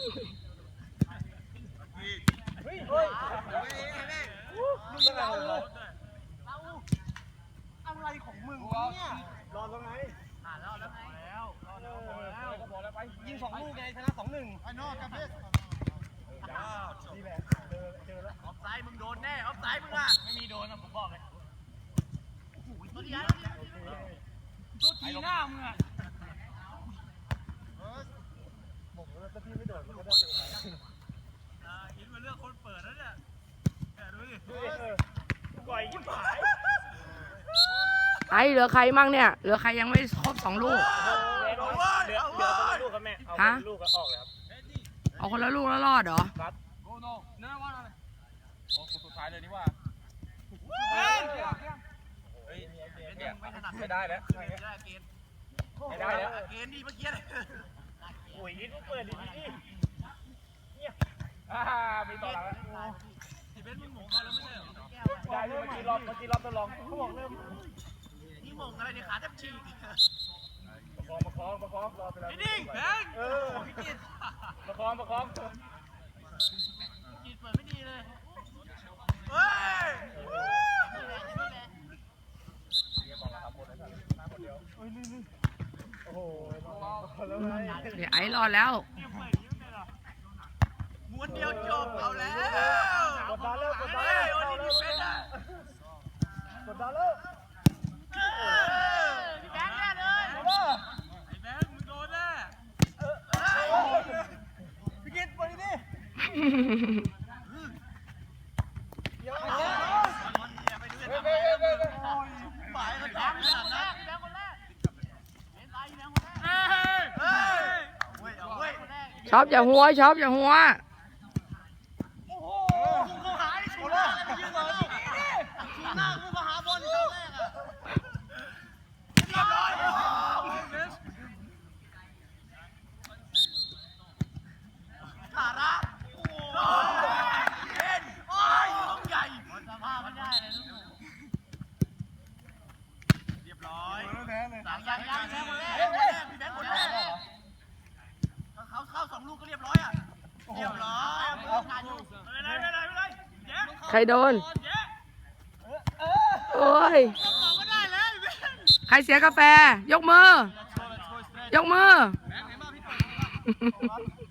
อะไรของมึงเนี่ยรอตรงไหนรอแล้วไงแล้วไปยิง2 ลูกไงชนะ 2-1ไอ้นอกกับเพชรนี่แหละเจอแล้วออฟไซด์มึงโดนแน่ออฟไซด์มึงอ่ะไม่มีโดนนะผมบอกเลยตัวที่หน้ามึงอ่ะบอกแล้วถ้าพี่ไม่โดนมันก็ได้อินมาเลือกคนเปิดแล้วเนี่ยดูดิก่อยยิ้มหายไอเหลือใครมั่งเนี่ยเหลือใครยังไม่ครบ2 ลูกเหลือคนละลูกครับแม่เอาคนละลูกก็ออกเลยครับเอาคนละลูกแล้วรอดเหรอครับโกโน่เนื้อว่าอะไรโอ้สุดท้ายเลยนี่ว่าไม่ได้แล้วไม่ได้แล้วเกณฑ์ดีเมื่อกี้เลยโอ้ยยิ้มเปิดดีเนี่ยมีต่อแล้วที่เป็นมึงหมงเขาแล้วไม่ใช่เหรอได้เมื่อกี้รอบทดลองเขาบอกเริ่มนี่หมงอะไรเนี่ยขาแทบฉีกประคองรอไปแล้วนิ่งแบงพี่กิตประคองกิตเปิดไม่ดีเลยเฮ้ยโอ้โหเดี๋ยวไอรอดแล้วม้วนเดียวจบเอาแล้วกดดันแล้วโอ้ยนี่เป็นอ่ะกดดันแล้วพี่แบงค์แน่เลยไอ้แบงค์มึงโดนแน่พี่กิตไปดิเดี๋ยวไปดูกันหมายมันจับขนาดนั้นพี่แบงค์คนแรกชอบอย่าหัวชอบอย่าหัวโอ้โหกูหายชูหน้าอะไรไปยืนเลยชูหน้ากูมาหาบอลตอนแรกอ่ะเรียบร้อยสาระโอ้เล่นโอ้ยลูกใหญ่สภาพไม่ได้เลยเรียบร้อยยังคนแรกพี่แบงค์คนแรกเขาเข้า2 ลูกก็เรียบร้อยอ่ะเรียบร้อยไม่ได้ใครโดนโอ้ยใครเสียกาแฟยกมือ